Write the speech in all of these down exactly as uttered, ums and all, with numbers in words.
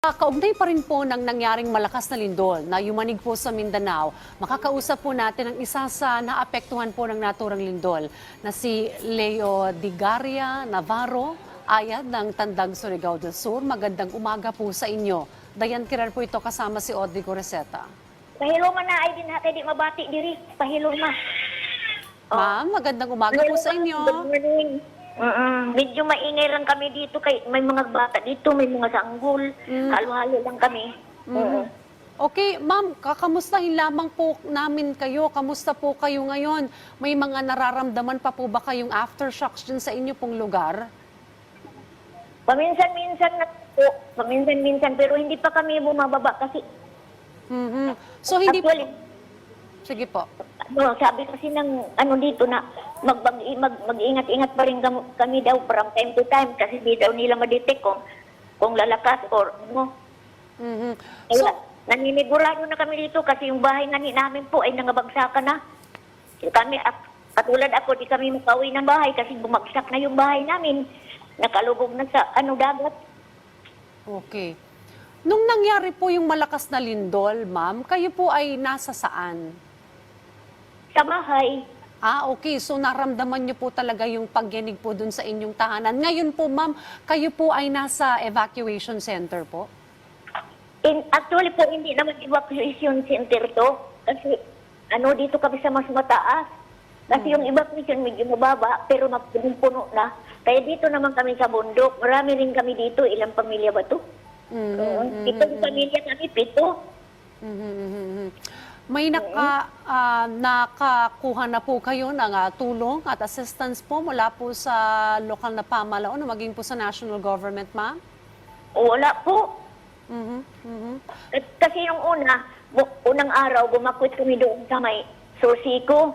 Kaugnay pa rin po ng nangyaring malakas na lindol na yumanig po sa Mindanao, makakausap po natin ang isa sa naapektuhan po ng naturang lindol na si Leo Digaria Navarro, ayad ng Tandag, Surigao del Sur. Magandang umaga po sa inyo. Dayan Kirar po ito kasama si Audrey Goreseta. Pahilo man na ay din hati di mabati diri. Pahilo ma. Ma'am, magandang umaga po sa inyo. Good morning. Uh-uh. Medyo maingay lang kami dito kay may mga bata dito, may mga sanggol. Mm. Halo-halo lang kami. Mm. Oo. Okay, ma'am, kakamustahin lamang po namin kayo. Kamusta po kayo ngayon? May mga nararamdaman pa po ba kayong aftershocks dyan sa inyo pong lugar? Paminsan-minsan na po. Paminsan-minsan pero hindi pa kami bumababa kasi Mhm. So hindi actually, po... Sige po. ano, sabi kasi ng ano dito na mag, mag, mag, mag-ingat-ingat pa rin kami, kami daw from time to time kasi di daw nila ma-detect kung, kung lalakas or ano. Mhm. Kaya, So, naninigurado na kami dito kasi yung bahay nga ni namin po ay nangabagsakan na. Kami, ak- katulad ako, di kami makauwi ng bahay kasi bumagsak na yung bahay namin. Nakalubog na sa ano dagat. okay. Nung nangyari po yung malakas na lindol, ma'am, kayo po ay nasa saan? Sa bahay, Ah, okay. So naramdaman niyo po talaga yung pagyanig po dun sa inyong tahanan. Ngayon po, ma'am, kayo po ay nasa evacuation center po? in, actually po hindi naman evacuation center to. Kasi ano dito kami sa mas mataas. Kasi yung evacuation medyo mababa pero puno na. Kaya dito naman kami sa bundok. Marami rin kami dito. Ilang pamilya ba to? Mhm, Oo. mhm, Pitong pamilya kami, pito. mhm, mhm, mhm. May naka, ah, nakakuha na po kayo ng ah, tulong at assistance po mula po sa lokal na pamalaan o maging po sa national government, ma'am? Wala po. Mhm, mhm. K- Kasi yung una, bu- unang araw, bumakwit kami doon sa may Sursiko.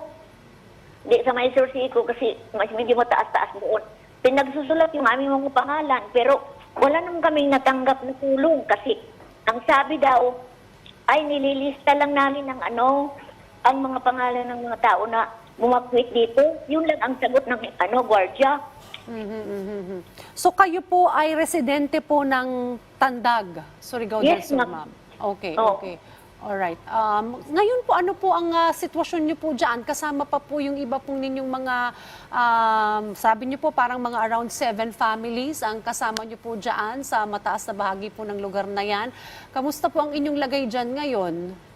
Di sa may Sursiko kasi mas medyo mataas-taas doon. Pinagsusulat yung aming mga pangalan, pero wala naman kaming natanggap na tulong kasi ang sabi daw, ay nililista lang namin ng ano, ang mga pangalan ng mga tao na bumakwit dito. Yun lang ang sagot ng ano, gwardiya. Mhm, mhm, mhm. So kayo po ay residente po ng Tandag, Surigao del Yes, Sur, ma'am. ma'am? Okay, Oo. okay. Alright. Um, ngayon po, ano po ang ah, sitwasyon niyo po dyan? Kasama pa po yung iba pong ninyong mga, um, sabi niyo po parang mga around seven families ang kasama niyo po dyan sa mataas na bahagi po ng lugar na yan. Kamusta po ang inyong lagay dyan ngayon?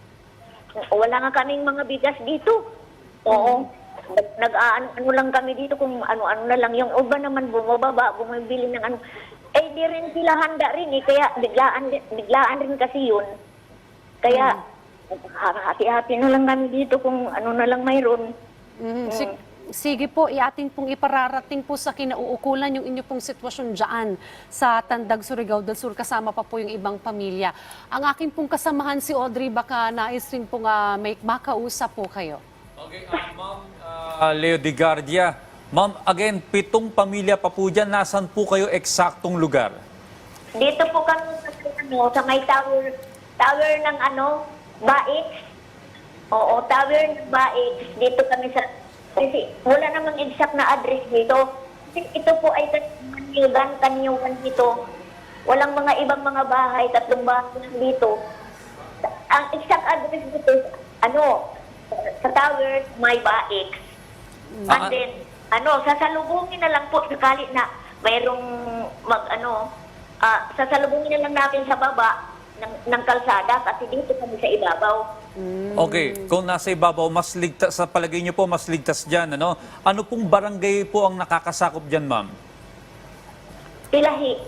Wala nga kaming mga bigas dito. Oo. Nag- Nag-ano ano lang kami dito kung ano-ano na lang. Yung iba naman bumababa, bumibili ng ano. Eh, di rin sila handa rin eh. Kaya biglaan, biglaan rin kasi yun. Kaya, hati-hati na lang kami dito kung ano na lang mayroon. Mhm. Sig- Sige po, iating pong ipararating po sa kinauukulan yung inyo pong sitwasyon dyan sa Tandag, Surigao del Sur, kasama pa po yung ibang pamilya. Ang akin pong kasamahan si Audrey, baka nais rin pong ah, may makausap po kayo. Okay, uh, Ma'am uh, Leo Digaria. Ma'am, again, pitong pamilya pa po dyan. Nasaan po kayo eksaktong lugar? Dito po kami sa, ano, sa may tower, tower ng ano, Baix. Oo, tower ng Baix. Dito kami sa, kasi wala namang exact na address dito. Kasi ito po ay Kanyugan, Kanyugan dito. Walang mga ibang mga bahay, tatlong bahay lang dito. Ang exact address dito, ano, sa tower, may Baix. And Ah. then, ano, sasalubungin na lang po sakali na mayroong mag, ano, ah, sasalubungin na lang natin sa baba ng, ng kalsada kasi dito kami sa ibabaw. Okay, kung nasa ibabaw, mas ligtas, sa palagay niyo po, mas ligtas dyan, ano? Ano pong barangay po ang nakakasakop dyan, ma'am? Tilahi.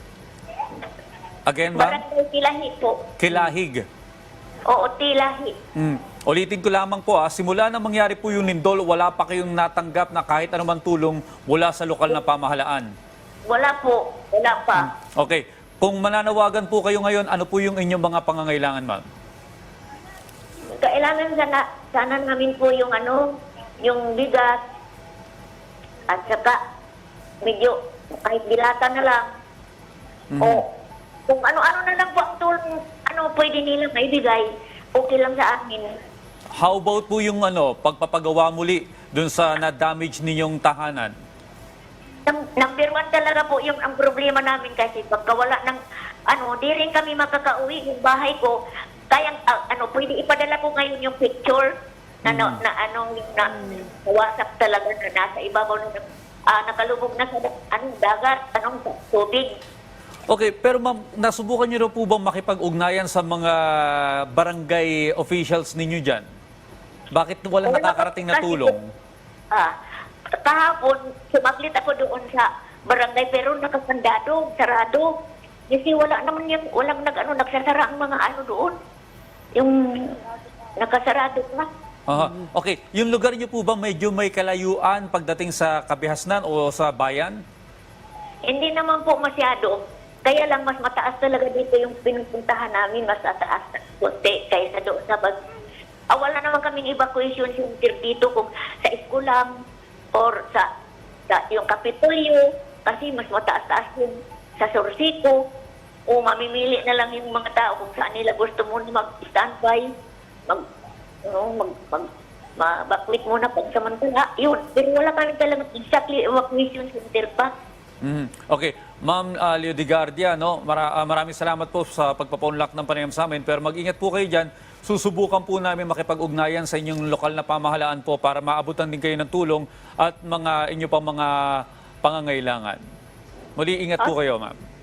Again, ma'am? Barangay Tilahi po. Kilahig. Oo, Tilahi. Hmm. Ulitin ko lamang po, ah, simula na mangyari po yung lindol, wala pa kayong natanggap na kahit anumang tulong mula sa lokal na pamahalaan. Wala po. Wala pa. Okay, kung mananawagan po kayo ngayon, ano po yung inyong mga pangangailangan, ma'am? Kailangan sana, sana namin po yung ano, yung bigas at saka medyo kahit dilata na lang. Mhm. O kung ano-ano na lang po ang tulong, ano pwede nilang maibigay, okay lang sa amin. How about po yung ano, pagpapagawa muli dun sa na-damage ninyong tahanan? Num- number one talaga po yung ang problema namin kasi pagka wala ng ano, di rin kami makakauwi yung bahay ko. Kaya ah, ano, pwede ipadala ko ngayon yung picture na, na, na ano, yung na, na WhatsApp talaga na nasa ibabaw na ah, nakalubog na sa anong dagat, anong tubig. Okay, pero ma'am, nasubukan niyo na po bang makipag-ugnayan sa mga barangay officials ninyo dyan? Bakit walang Wala nakakarating na kasi- tulong? Ah, kahapon, sumaglit ako doon sa barangay pero nakasandado, sarado. Kasi wala naman yung, walang nag, ano, nagsasara ang mga ano doon. Yung nakasarado na. Aha. Okay, yung lugar niyo po ba medyo may kalayuan pagdating sa Kabihasnan o sa bayan? Hindi naman po masyado. Kaya lang mas mataas talaga dito yung pinupuntahan namin, mas mataas na kunti kaysa doon sa bag. Ah, wala naman kaming evacuation center dito kung sa eskulang or sa, sa yung Kapitolyo kasi mas mataas-taas yung sa Sorsico o mamimili na lang yung mga tao kung saan nila gusto muna mag-standby, mag, ano, mag, mag, ma-evacuate muna pag samantala. Yun, pero wala kami talagang exactly evacuation center pa. Mhm. Okay, Ma'am uh, Leo Digardia, no? Mara- ah, maraming salamat po sa pagpapaunlak ng panayam sa amin. Pero mag-ingat po kayo dyan. Susubukan po namin makipag-ugnayan sa inyong lokal na pamahalaan po para maabutan din kayo ng tulong at mga inyo pang mga pangangailangan. Muli, ingat po kayo, ma'am.